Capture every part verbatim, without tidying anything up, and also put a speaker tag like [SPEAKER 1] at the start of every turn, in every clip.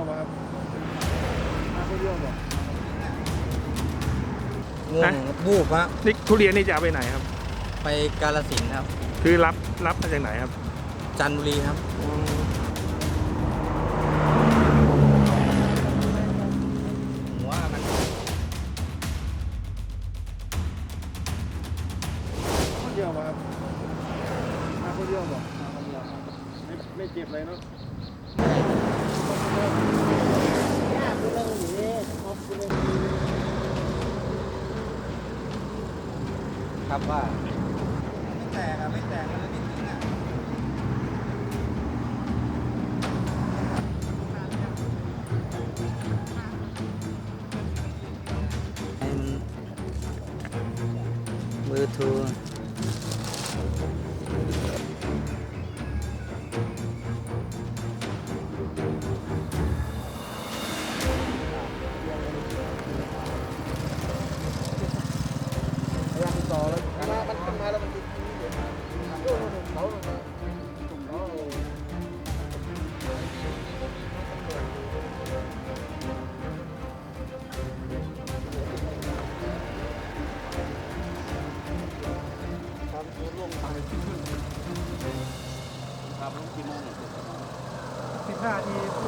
[SPEAKER 1] มาครับมาคนเดียวเหรอ
[SPEAKER 2] ง่วงวูบฮะ
[SPEAKER 3] นี่ทุเรียนนี่จะเอาไปไหนครับ
[SPEAKER 2] ไปกาฬสินธุ์ครับ
[SPEAKER 3] คือรับรับมาจากไหนครับ
[SPEAKER 2] จันทบุรีครับผมว่ามัน
[SPEAKER 1] คนเดียวมาครับมาคนเดียวเหรอไม่ไม่เจ็บเลยเนาะ
[SPEAKER 2] ครับว่าไม่แตกอะไม่แตกแล้วนิดนึงอะเบอร์โทร
[SPEAKER 1] พยายามติดต่อแล้วมามันขึ้นมาแล้วมันติดเขาเขา
[SPEAKER 3] สิบห้าที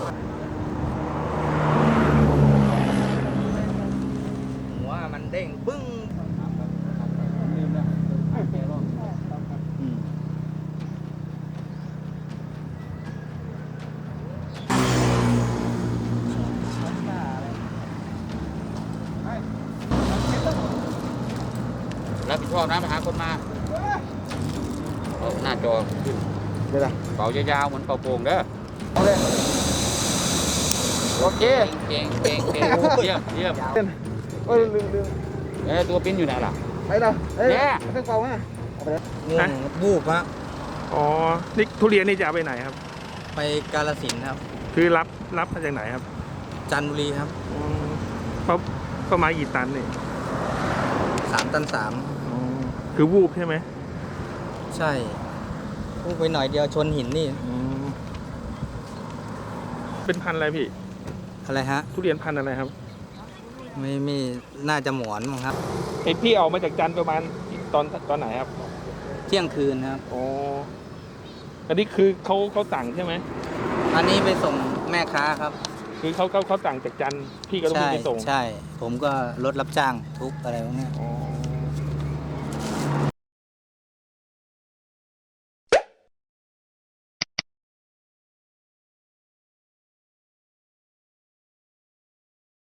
[SPEAKER 2] หัวมันเด้งบึ้ง
[SPEAKER 1] ลืมแล้วแกรอบ
[SPEAKER 2] อืม
[SPEAKER 4] รับผิดชอบนะไปหาคนมาเอาหน้าจอขึ้น
[SPEAKER 1] เดี๋ยวนะ
[SPEAKER 4] เป่ายาวๆเหมือนเป่าโป่งเด้อ
[SPEAKER 1] เอาเลยโอเค
[SPEAKER 4] เก่งเก่งเก่งเยี่ยมเยี่ยม
[SPEAKER 1] เอ้ยลืมลืม
[SPEAKER 4] เอ้ยตัวปิ้นอยู่ไหนล่ะ
[SPEAKER 1] ไปนะเอ้ย
[SPEAKER 4] แย่
[SPEAKER 1] เครื่องเป่ามาเอาไปเลย
[SPEAKER 2] ง่วงวูบฮะ
[SPEAKER 3] อ๋อนี่ทุเรียนนี่จะเอาไปไหนครับ
[SPEAKER 2] ไปกาฬสินธุ์ครับ
[SPEAKER 3] คือรับรับมาจากไหนครับ
[SPEAKER 2] จันทบุรีครับ
[SPEAKER 3] อ๋อเขาประมาณกี่ตันนี่
[SPEAKER 2] สามตันสาม
[SPEAKER 3] อ๋อคือวูบใช่ไหม
[SPEAKER 2] ใช่วูบไปหน่อยเดียวชนหินนี่
[SPEAKER 3] อ๋อเป็นพันธุ์อะไรพี่
[SPEAKER 2] อะไรฮะ
[SPEAKER 3] ทุเรียนพันธุ์อะไรครับ
[SPEAKER 2] ไม่ไม่น่าจะหมอนมั้งครับ
[SPEAKER 3] เห็นพี่ออกมาจากจันทร์ประมาณตอนตอนไหนครับ
[SPEAKER 2] เที่ยงคืนครับ
[SPEAKER 3] อ๋ออันนี้คือเขาเขาสั่งใช่ไหม
[SPEAKER 2] อันนี้ไปส่งแม่ค้าครับ
[SPEAKER 3] คือเขาเขาเขาสั่งจากจันทร์พี่ก็ต้อง
[SPEAKER 2] ใช่
[SPEAKER 3] ไปส่ง
[SPEAKER 2] ใช่ ผมก็รถรับจ้างทุกอะไรพวกเนี้ย
[SPEAKER 3] อ๋อ